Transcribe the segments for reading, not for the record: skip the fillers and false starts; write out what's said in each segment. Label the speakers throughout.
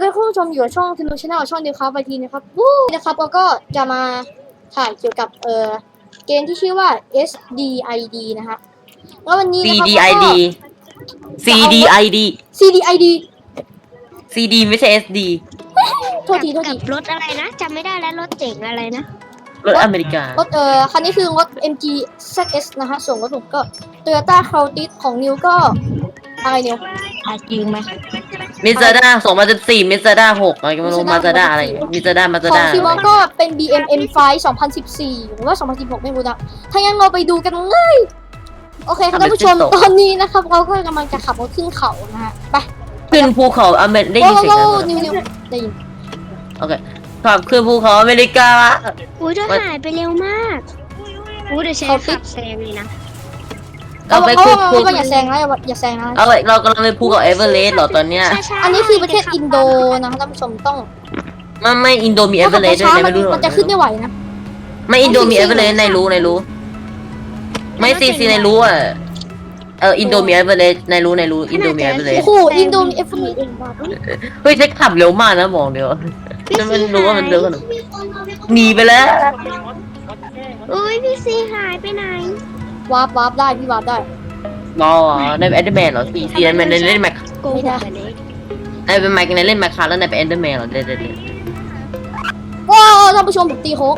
Speaker 1: เคคุณผู้ชมอยู่กับช่องธนูชาแนลช่องเดียวครับไปทีนะครับวู้นะครับเราก็จะมาถ่ายเกี่ยวกับเกมที่ชื่อว่า SDID นะฮะแล้ววันนี้นะครับเราก็
Speaker 2: CDID
Speaker 1: CDID
Speaker 2: CD ไม่ใช่ SD
Speaker 1: โทษที
Speaker 3: กับรถอะไรนะจำไม่ได้แล้วรถเจ๋งอะไรนะ
Speaker 2: รถอเมริการ
Speaker 1: ถคันนี้คือรถ MG ZS นะฮะส่วนรถผมก็ Toyota Corolla ของนิวก็อะไรนิว
Speaker 3: จริงไหม
Speaker 2: มิซาด้า2014มิซาด้า6อะไรก็ไม่รู้มาซาด้าอะไรมิซาด้ามาซา
Speaker 1: ของ
Speaker 2: ด้า
Speaker 1: ซีมอก็เป็น BM M5 2014 หรือว่า 2016 ไม่รู้นะถ้างั้นเราไปดูกันเลยโอเคครับท่านผู้ชมตอนนี้นะครับเราก็กำลังจะขับรถขึ้นเขานะฮะไป
Speaker 2: ขึ้นภูเขาอเมริกาได้ยินเสียงไหม
Speaker 1: นิวได้ยิน
Speaker 2: โอเคขับขึ้นภูเขาอเมริกา
Speaker 3: อุ้ยเธอหายไปเร็วมากอุ้ยเดี๋ยวฉันขับแซงเลยนะ
Speaker 2: เราไปภู
Speaker 1: ก็อย่าแซงนะอย่าแซงนะ
Speaker 2: เอาไปเรากำลังไปภูเขาเอเวอเรสต์เหรอตอนเนี้ย
Speaker 1: อันนี้คือประเทศอินโดนะคะท่านผู้ชมต้อง
Speaker 2: ไม่อินโดมีเอเวอเรสต์ด้วยนะไม่รู้หรอ
Speaker 1: มันจะขึ้นไม่ไหวนะ
Speaker 2: ไม่อินโดมีเอเวอเรสต์ในรู้ไม่ซีในรู้อ่ะอินโดมีเอเวอเรสต์ในรู้อินโดมีเอเวอเรส
Speaker 1: โอ้
Speaker 2: ต์
Speaker 1: โหอินโดมีเอฟมี
Speaker 2: เฮ้ยใช้ขับเร็วมากนะบอกเดียวจะมันรู้ว่ามันเร็วขนาดหนีไปแล้ว
Speaker 3: อุ้ยพี่ซีหายไปไหน
Speaker 1: วาร์ปได้พี่วาร์ปได้
Speaker 2: รอในแอนเดอร์แมนเหรอซีนั้นมันเล่นแม็ก
Speaker 3: โกหกไปเลย
Speaker 2: ในเป็นแม็กในเล่นแม็กคาแล้วในเป็นแอนเดอร์แมนเหรอเด็ด
Speaker 1: ว้าวท่านผู้ชมผมตีโค้ง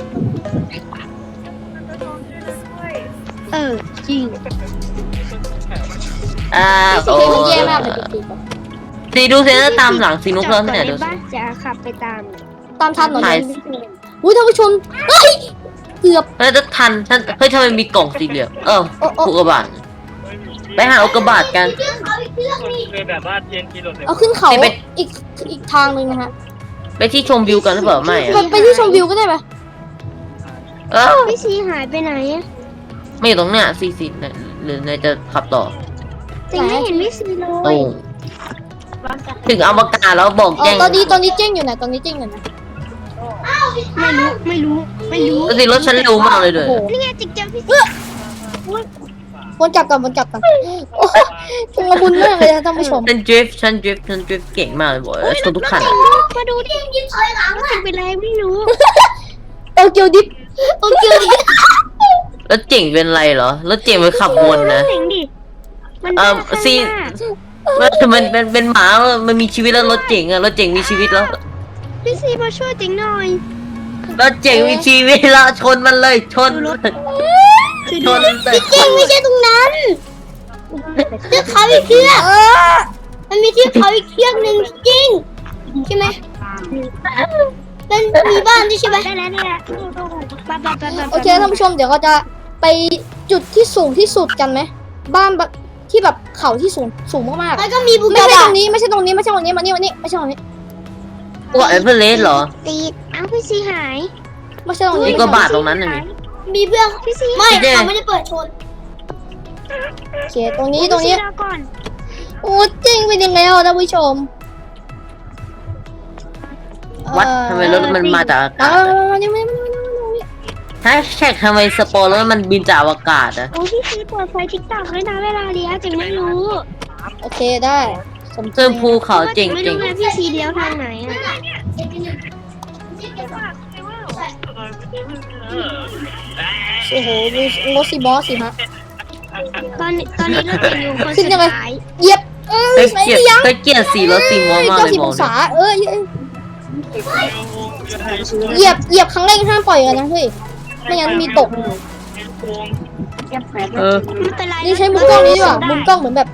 Speaker 3: จริง
Speaker 1: สีเกมมันแย่มากเลยตีไป
Speaker 2: ซีดูเซนตามหลังซีนุกเพิ่มที่ไหนดู
Speaker 3: บ้านจะขับไปตาม
Speaker 1: ตามทันหน่อยอุ้ยท่านผู้ชมเฮ้ยเกือบ
Speaker 2: แล้วจะทันเฮ้ยทำไมมีกล่องสี่เหลี่ยมอุกกาบาตไปหาอุกกาบาตกัน
Speaker 4: คือแบบว่าเทียนกิโล
Speaker 1: เอาขึ้นเขาอีกทางนึงนะฮะ
Speaker 2: ไปที่ชมวิวกันหรือเปล่าไม่
Speaker 1: ไปที่ชมวิวก็ได้ไหม
Speaker 3: พี่ซีหายไปไหน
Speaker 2: ไม่อยู่ตรงเนี้ยซีหรือในจะขับต่อ
Speaker 3: แต่ไม่เห็นพี่ซีเล
Speaker 2: ตร
Speaker 3: ย
Speaker 2: งถึงอวกาศแล้วบอกแจ้ง
Speaker 1: ตอนนี้เจ๊งอยู่ไหนตอนนี้เจ๊งอยู่ไหน
Speaker 3: ไม่รู้
Speaker 2: สิรถฉันเร็วมากเลยด้วย
Speaker 3: นี่ไงจิกเจอพี่ซี
Speaker 1: วนกลับก่อนโอ้ชุลมุนมากเลยนะท่านผู้ชม
Speaker 2: ฉันดริฟต์เก่งมากเลยบอกชนทุกคัน
Speaker 3: มาดูดิยิงถอยหลังเป็นไรไม่รู้
Speaker 1: โตเกียวดิฟ
Speaker 2: แล้วเจ๋งเป็นไรเหรอแล้วเจ๋งไปขับวนนะ
Speaker 3: เจ๋งดิมัน
Speaker 2: ซีมันเป็นหมามันมีชีวิตแล้วรถเจ๋งอะรถเจ๋งมีชีวิตแล้ว
Speaker 3: พี่ซีมาช่วยเจ๋งหน่อย
Speaker 2: รถเจ๋งมีชีวิตแล้วชนมันเลยชนชนเลย
Speaker 1: จริงไม่ใช่ตรงนั้นเทือกเขาอีกเทือกมันมีเทือกเขาอีกเทือกหนึ่งจริงใช่ไหมเป็นมีบ้านด้วยใช่ไหม
Speaker 3: ได้แล้วเนี่ย
Speaker 1: โอเคท่านผู้ชมเดี๋ยวเราจะไปจุดที่สูงที่สุดกันไหมบ้านแบบที่แบบเขาที่สูงมากๆแล้วก็มีไม่ใช่ตรงนี้มานี่ไม่ใช่ตรงนี้ไม่ใช่ตรงนี้
Speaker 2: ว่าเอเวอเรสต์เหรอ
Speaker 3: ตีอ้าวพี่ซีหาย
Speaker 1: ไม่ใช่ตรงนี้
Speaker 2: นี่ก็บาทตรงนั้นน่ะนี่
Speaker 1: มีเพื่อน
Speaker 3: พี่ซี
Speaker 1: ไม่เขาไม่ได้เปิดชนโอเคตรงนี้
Speaker 3: ก่อน
Speaker 1: โอ้จริงเป็นยังไงท่านผู้ชม
Speaker 2: วัดทำไมรถมันมาจากอากาศ
Speaker 1: นี่ไม่
Speaker 2: แฮชแท็กทำไมสปอร์แล้วมันบินจากอากาศอะ
Speaker 3: โอ้พี่ซีเปิดไฟทิกตอกด้วยนะเวลาเลี้ยวจึงไม่รู้
Speaker 1: โอเคได้สม
Speaker 2: เพิ่มภูเขาเจ๋ง
Speaker 3: ไม่รู้ไงพี่ซีเลี้ยวทางไหนอ่ะ
Speaker 1: โอ้โหมีรถซีบอสสิฮะ
Speaker 3: ตอนนี้เราจะอยู่คน
Speaker 1: ขึ้น
Speaker 3: สุด
Speaker 1: ยังไง
Speaker 3: ท้าย
Speaker 1: เหยียบ
Speaker 2: เฮ้ยเกียร์สีรถสีม่วงมากเลย
Speaker 1: 90
Speaker 2: บอ
Speaker 1: อก ง
Speaker 2: เลย
Speaker 1: ศาเหยียบครั้งแรกห้ามปล่อยกันนะเฮ้ยไม่งั้นมีตก
Speaker 3: ไม่เป็นไร
Speaker 1: นี่ใช้มุมกล้องนี้ดีกว่ามุมกล้องเหมือนแบบ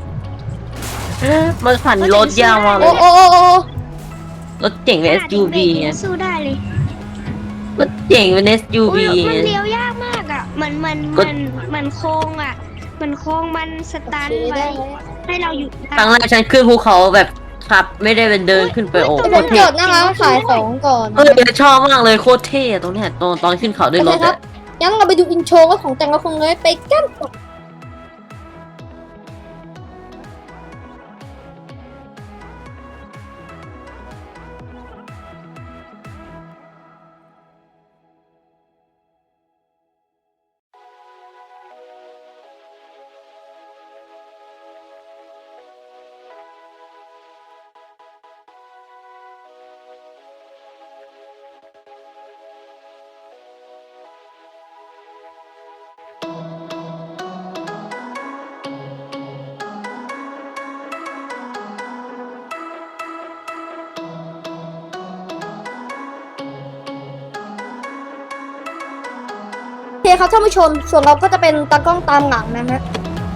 Speaker 2: มันผ่านรถยาวมากเล
Speaker 1: โอ้
Speaker 2: ย
Speaker 1: โอ้
Speaker 2: รถเจ๋งเป็น SUV ไง
Speaker 3: สู้ได้เลย
Speaker 2: รถเจ๋งเป็น SUV
Speaker 3: มันเลี้ยวยากมากอ่ะมันโค้งอ่ะมันโค้งมันสตันไว้ให้เราอยู่
Speaker 2: ครั้งแรกฉันขึ้นภูเขาแบบขับไม่ได้เป็นเดินขึ้นไปโอ้
Speaker 1: ผ
Speaker 2: โค
Speaker 1: ม
Speaker 2: ตรเท่
Speaker 1: จดนะคะขายของก่อน
Speaker 2: ชอบมากเลยโคตรเท่ตรงเนี้ยตอนขึ้นเขาด้วยรถ
Speaker 1: ครับงั้นเราไปดูอินโทรของแต่งละครเลยไปกันครับท่านผู้ชมส่วนเราก็จะเป็นตากล้องตามหลังนะฮะ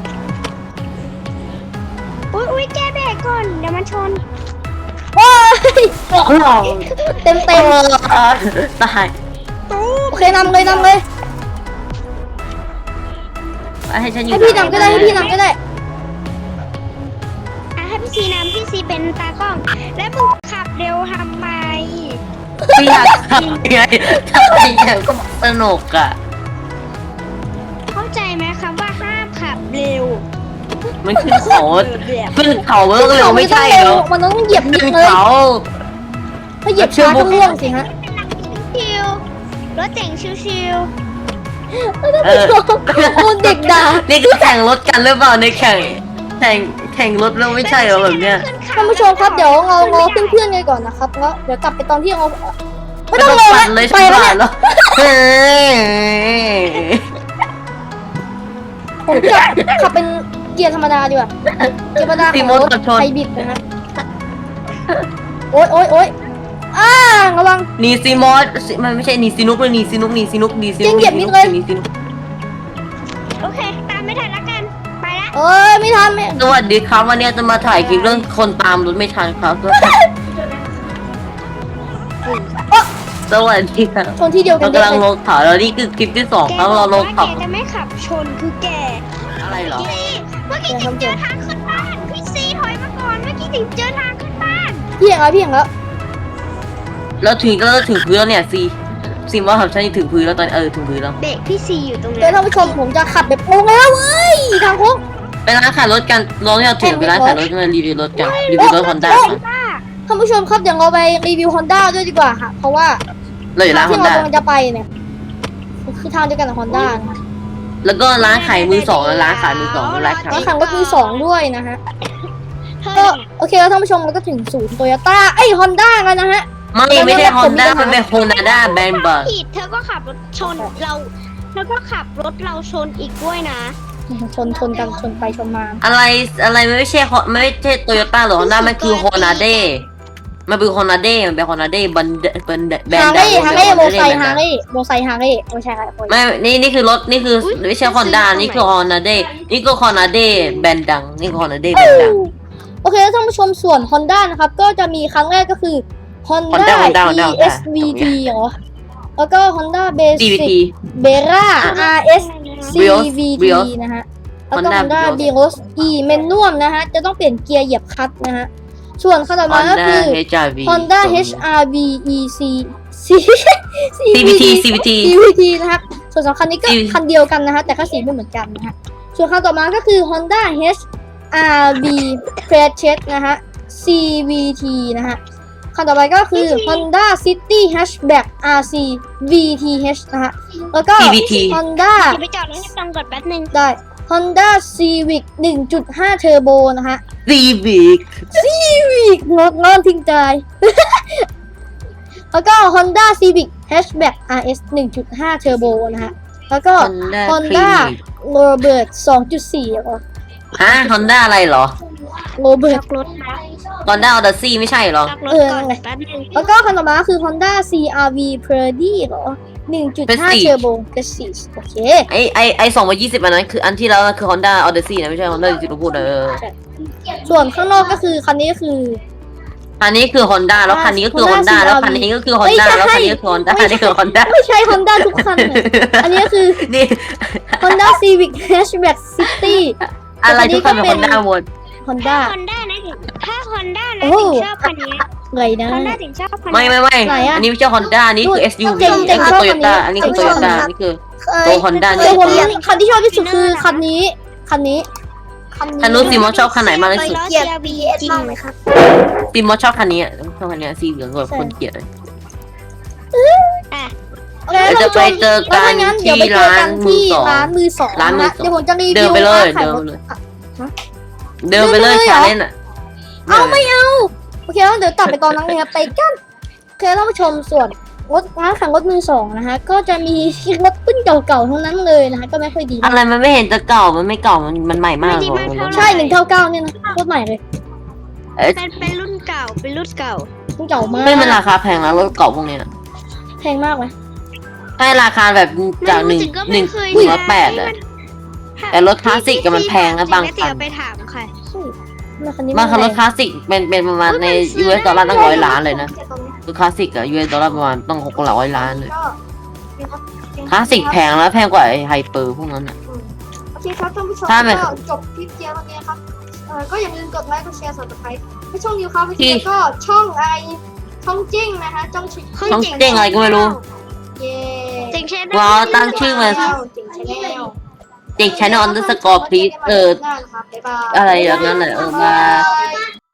Speaker 3: อุ้ยแกเบรกก่อนเดี๋ยวมันชน
Speaker 1: ว้ายเต็ม
Speaker 2: ตาย
Speaker 1: โอเคนำเลย
Speaker 2: ให้ฉันอยู่
Speaker 1: ให้พี่นำก็ได้ให้พี่นำก็ได้
Speaker 3: ให้พี่ซีนำพี่ซีเป็นตากล้อง แล้วมึงขับเร็วทำไม
Speaker 2: พี่อยากทำไงถ้าพี่อยากก็สนุกอ่ะ
Speaker 3: เข้าใจไหมคำว่าห้ามขับเร็ว
Speaker 2: มันขึ้นเขาขึ้นเขาเร็วไม่ใช่เหรอ
Speaker 1: มันต้องเหยียบนิด
Speaker 2: ขึ้น
Speaker 1: เลย
Speaker 2: เขา
Speaker 1: ถ้าเหยียบช้าก็ร่วงสิฮะ
Speaker 3: ชิวรถเจ๋งชิว
Speaker 1: โอ้เด็กด่า
Speaker 2: นี่คือแข่งรถกันหรือเปล่าในแข่งรถแล้วไม่ใช่เหรอแบบเนี้ย
Speaker 1: ท่านผู้ชมครับเดี๋ยวเรารอเพื่อนๆกันก่อนนะครับแล้วเดี๋ยวกลับไปตอนที่เราไม่ต้องรอ
Speaker 2: ปั่นเลย
Speaker 1: ไป
Speaker 2: ฉัน
Speaker 1: แล้ว
Speaker 2: ผ่า
Speaker 1: เนี่
Speaker 2: น
Speaker 1: ย
Speaker 2: แล้ว
Speaker 1: ผมจะขับเป็นเกียร์ธรรมดาดีกว่าเกียร์ธรรมดาของรถไฮบริดนะฮะโอ๊ยระวัง
Speaker 2: นีซีมอสมันไม่ใช่นีซีนุกเลยนีซีนุก
Speaker 3: ๆโอเค ตามไม่ทันละกัน ไปละ
Speaker 1: ไม่ทันไม่
Speaker 2: สวัสดีครับวันนี้จะมาถ่ายคลิปเรื่องคนตามรถไม่ทันครับสวัสดีครับ
Speaker 1: ชนที่เดียวกั
Speaker 2: เรา
Speaker 1: น
Speaker 2: กำลังลงเขาแล้วนี่คือคลิปที่2ครับเราลง
Speaker 3: แก
Speaker 2: เขา
Speaker 3: จะไม่ขับชนคือแก
Speaker 2: อะไรเหรอ
Speaker 3: เมื่อกี้ถึงเจอทางขึ้นบ้าน พี่ซีถอยมาก่อน เมื่อกี้ถึงเจอทางขึ้นบ้าน
Speaker 1: พี่อย่างแล้ว
Speaker 2: แล้วถึงพื้นแล้วเนี่ยซีมอสครับฉันถึงพื้นแล้วตอนถึงพื้นแล้ว
Speaker 3: เบรกพี่ซีอยู่ตรง
Speaker 1: เดี๋ย
Speaker 3: นั้
Speaker 1: วน ท่านผู้ชมผมจะขับแบบโอ้แล้วเว้ยทางโค้ง
Speaker 2: ไปร้านขายรถกันลองที่เราถึงไปร้านขายรถมารีวิวรถกันรีวิวรถฮอนด้า
Speaker 1: ท่านผู้ชมครับเดี๋ยวเราไปรีวิว Honda ด้วยดีกว่าค่ะเพราะว่า
Speaker 2: เลยร้านฮ
Speaker 1: ที่
Speaker 2: อน
Speaker 1: เรา
Speaker 2: ด้าก
Speaker 1: ำลังจะไปเนี่ยคือทางเดียวกันกับ Honda นะ
Speaker 2: แล้วก็ร้านขายมือสองและร้านขายมือสองร้านขาย
Speaker 1: แล้วขังรถมือสองด้วยนะฮะก็โอเคแล้วท่านผู้ชมเราก็ถึงศูนย์โตโยต้าHonda กันนะฮะ
Speaker 2: ไม่ใช่ฮอนด้ามันเป็นโฮนาด้าแบรนด์บัง
Speaker 3: ผิดเธอก็ขับรถชนเราแล้วก็ขับรถเราชนอีกด้วยนะ
Speaker 1: ชนกันชนไปชนมา
Speaker 2: อะไรไม่ใช่โตโยต้าหรือฮอนด้ามันคือโฮนาเด้มันเป็นโฮนาเด้มันเป็นโฮนาเด้แบรนด์ดัง
Speaker 1: ฮาร์เลย์โมไซค์ฮาร์เลย์ไม่ใช่ครับ
Speaker 2: ไม่นี่คือรถนี่คือไม่ใช่ฮอนด้านี่คือฮอนด้าเด้นี่ก็ฮอนด้าเด้แบรนด์ดังนี่คือฮอนด้าเด้แบรนด์ดัง
Speaker 1: โอเคแล้วท่านผู้ชมส่วน Honda นะครับก็จะมีครั้งแรกก็คือ Honda ESVT เหรอแล้วก็ Honda Basic Bera RS CVT นะฮะแล้วก็ Honda Bios E Manual นะฮะจะต้องเปลี่ยนเกียร์เหยียบคลัตช์นะฮะส่วนคันต่อมาก็คือ Honda HRV EC CVT นะครับส่วนสองคันนี้ก็คันเดียวกันนะฮะแต่แค่สีไม่เหมือนกันนะฮะส่วนคันต่อมาก็คือ Honda HRV Prechet นะฮะ CVT นะฮะคันต่อไปก็คือ Honda City Hatchback RC VTH นะฮะแล้วก็ Honda
Speaker 3: จะไปจอดรถให้ฟังก่อนแป๊บนึง
Speaker 1: ได้ Honda Civic 1.5 Turbo นะฮะ
Speaker 2: Civic
Speaker 1: งอนทิ้งใจ แล้วก็ Honda Civic Hatchback RS 1.5 Turbo นะฮะแล้วก็ Honda Robert 2.4 เหรอ
Speaker 2: ฮอนด้าอะไรเหรอ
Speaker 1: Robert
Speaker 3: รถนะ
Speaker 2: ฮอนด้าออเดซี่ไม่ใช่เหรอ
Speaker 3: รถก่อนแป๊บนึง
Speaker 1: แล้วก็คันต่อมาคือ Honda CRV Predy เหรอ 1.5 Turbo Prestige โอเค
Speaker 2: ไอ2020อันนั้นคืออันที่แล้วคือฮอนด้าออเดซี่นะไม่ใช่ฮอนด้าที่เราพูด
Speaker 1: ส่วนข้างนอกก็คือคันนี้ก็คือ
Speaker 2: อันนี้คือฮอนด้าแล้วคันนี้ก็คือฮอนด้าแล้วคันนี้ก็คือฮอนด้าแล้วคันนี้ก็คือฮอนด้าอันนี้คือฮอนด้า
Speaker 1: ไม่ใช่ Honda ทุกคันเลยอันนี้ก็คือ
Speaker 2: นี่
Speaker 1: Honda Civic Hatchback City
Speaker 2: อะไรทุกคันเป็นฮอนด้าหมด
Speaker 1: Honda
Speaker 3: ถ้าฮอนด้านะถึงชอบคันนี้
Speaker 1: ไงนะ
Speaker 3: ฮอนด้าถึงชอบคัน
Speaker 2: ไม่
Speaker 3: นี้
Speaker 2: อันนี้ไม่ใช่ฮอนด้าอันนี้คือ SUV อันนี้คือโตโยต้าอันนี้คือโตโยต้าอันนี้คือตัวฮอนด้า
Speaker 1: เดี๋ยวผมคันที่ชอบที่สุดคือคันนี้
Speaker 2: คันนู้นซีมอสชอบคันไหนมากที่สุด
Speaker 3: เกียร์ BS จริงไหมครับ
Speaker 2: ซีมอสชอบคันนี้ชอบคันนี้สีเหลืองแบบคนเกลียดเลย
Speaker 1: โอเค
Speaker 2: จะไปเจอกัน
Speaker 1: งั้นเดี๋ยวไปเจอกันที่ร้านมือสองนะเดี๋ยวผมจะรีวิว
Speaker 2: เดินไปเลย
Speaker 1: ขายรถ
Speaker 2: เดินไปเลยชาเลนจ์อ่ะ
Speaker 1: เอาไม่เอาโอเคแล้วเดี๋ยวตัดไปตอนนั้นเลยครับไปกันโอเคท่านผู้ชมส่วนรถร้านขายรถมือสองนะฮะก็จะมีรถรุ่นเก่าๆทั้งนั้นเลยนะฮะก็ไม่ค่อยดี
Speaker 2: อะไรมันไม่เห็นจะเก่ามันไม่เก่ามันใหม่มาก
Speaker 1: ใช่199เนี่ยนะรถใหม่เลย
Speaker 3: เป็นรุ่นเก่ารุ่นเก่า
Speaker 1: รุ่นเก่ามาก
Speaker 2: ไม่มันราคาแพงแล้วรถเก่าพวกนี้
Speaker 1: แพงมากไหม
Speaker 2: ให้ราคาแบบจากหนึ่ง
Speaker 3: ก็
Speaker 2: หนึ่
Speaker 3: ไม่
Speaker 2: ง
Speaker 3: เคย
Speaker 2: 108อะ แต่รถคลาสสิกอะมันแพงนะบางคัน
Speaker 3: เดี๋ยวไปถามค่ะ
Speaker 2: บางคันรถคลาสสิกเป็นประมาณใน US ดอลลาร์ตั้ง100 ล้านเลยนะรถคลาสสิกอะ US ดอลลาร์ประมาณต้อง600 ล้านเลยคลาสสิกแพงแล้วแพงกว่าไอ้ไฮเปอร์พวกนั้นอะ
Speaker 1: โอเคครับท่านผู้ชม
Speaker 2: ถ้าไม่
Speaker 1: ก็จบคลิปเจียวันนี้ครับก็อย่าลืมกดไลค์กดแชร์subscribe ให้ช่องนิวครับแล้วก็ช่องอะไรช่องจิ้งนะคะช่องชิ
Speaker 2: ช่องเจ๊งอะไรก็ไม่รู้
Speaker 1: เย้
Speaker 3: เจ๋งแชร์
Speaker 2: ว้าวตั้งชื่อมา
Speaker 1: จิ้งชาแนล
Speaker 2: เด็ก channel underscore please
Speaker 1: บ๊ายบาย
Speaker 2: อะไรอย่างนั้นแหละบาย
Speaker 1: บาย